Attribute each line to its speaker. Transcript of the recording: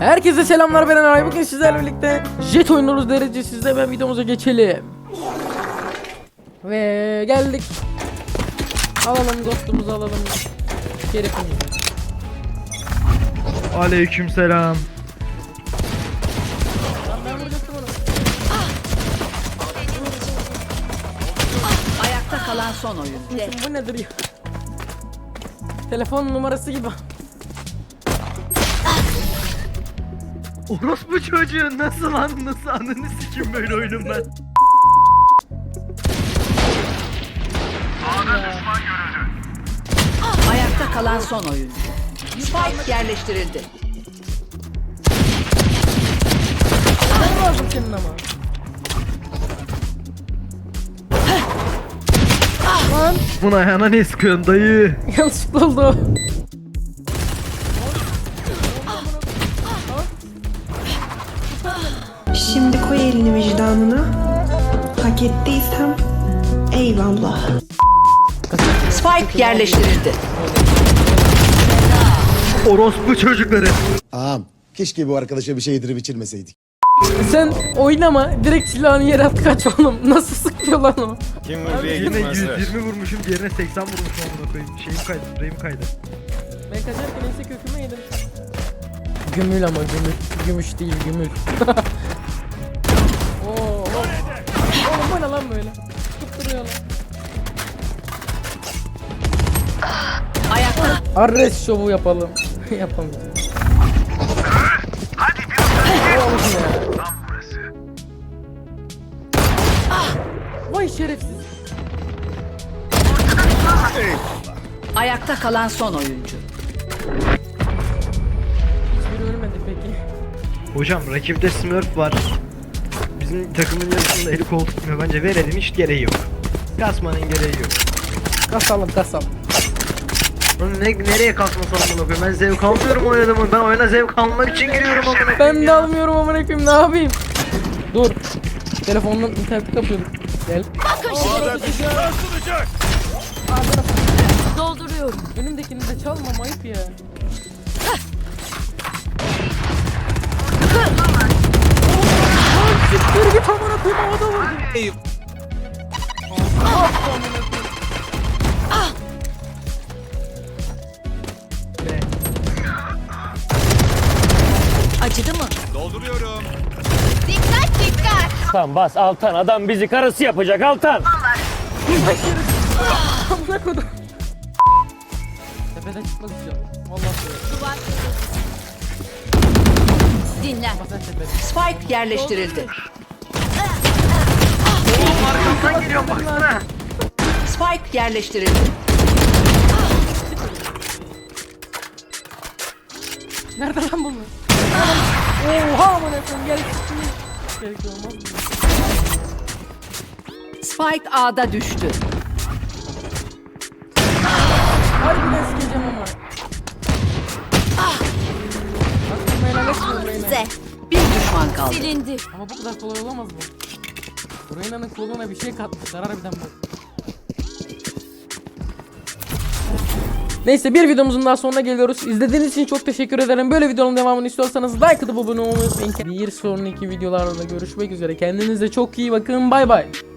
Speaker 1: Herkese selamlar, ben Eray. Bugün sizlerle birlikte jet oynuyoruz derecesizde. Hemen videomuza geçelim. Ve geldik. Alalım dostumuzu, alalım şerefimizi.
Speaker 2: Aleykümselam.
Speaker 1: Ben vuracaktım onu.
Speaker 3: Ayakta kalan son oyun.
Speaker 1: Bu nedir ya? Telefon numarası gibi.
Speaker 2: Orospu çocuğu nasıl lan, nasıl ananı sikim böyle oyunum ben.
Speaker 3: Ayakta kalan son oyun. Spike yerleştirildi.
Speaker 1: Ben lazım senin ama. Lan
Speaker 2: Buna ayağına ne sıkıyorsun dayı?
Speaker 1: yanlışlıkla oldu.
Speaker 4: Şimdi koy elini vicdanına. Hak ettiysem eyvallah.
Speaker 3: Spike yerleştirildi.
Speaker 2: Orospu çocukları.
Speaker 5: Ağam, keşke bu arkadaşa bir şey yedirip içirmeseydik.
Speaker 1: Sen oynama, direkt silahını yere at, kaç oğlum. Nasıl sıkıyor lan o?
Speaker 6: Kim buraya
Speaker 2: Yine
Speaker 6: gitmezler?
Speaker 2: 120 vurmuşum, diğerine 80 vurmuşum amına koyayım. Şeyim kaydı, rayım kaydı.
Speaker 1: Ben kaçarken ense köküme yedim. Gümül ama gümül. Gümüş değil, gümül. Oo, oğlum bu ne lan böyle? Tutturuyor lan.
Speaker 3: Ayakta
Speaker 1: Arres şovu yapalım. Yapamayacağız. Oğlum ya. Vay şerefsiz.
Speaker 3: ayakta kalan son oyuncu.
Speaker 1: Hiçbiri ölmedi peki.
Speaker 2: Hocam rakipte Smurf var. Bizim takımın yarısında eli kol tutmuyor. Bence verelim, hiç gereği yok. Kasmanın gereği yok.
Speaker 1: Kasalım kasal.
Speaker 2: Lan nereye kasmasam amına koyayım? Ben zevk almıyorum oynadığımı. Ben oyuna zevk almak için giriyorum amına koyayım.
Speaker 1: Ben de almıyorum amına koyayım, ne yapayım? Dur. Telefondan interneti kapıyorduk. Gel.
Speaker 3: Dolduruyorum.
Speaker 1: Önümdekini de çalmam, ayıp ya. Siktir git amına koyayım, havada vurdum.
Speaker 3: Acıdı mı?
Speaker 6: Dolduruyorum.
Speaker 7: Altan bas Altan, adam bizi karısı yapacak Altan.
Speaker 1: Amına koydum. Tepeden çıkmaz inşallah. Vallahi
Speaker 3: Dinle.
Speaker 1: sen tepeden.
Speaker 3: Spike yerleştirildi.
Speaker 2: Arkamdan geliyorum baksana.
Speaker 3: Spike yerleştirildi.
Speaker 1: Nerede lan bunlar? Oha amına koyayım, gel. Gerek olmaz mı?
Speaker 3: Spike A'da düştü.
Speaker 1: Harbiden sikeceğim ama. Aklımı helal etmiyorum Reyna.
Speaker 3: Bir düşman kaldı.
Speaker 1: Ama bu kadar kolay olamaz bu. Reyna'nın koluna bir şey katmışlar harbiden bu. Neyse, bir videomuzun daha sonuna geliyoruz. İzlediğiniz için çok teşekkür ederim. Böyle videonun devamını istiyorsanız like atıp abone olmayı unutmayın. Bir sonraki videolarda görüşmek üzere. Kendinize çok iyi bakın. Bay bay.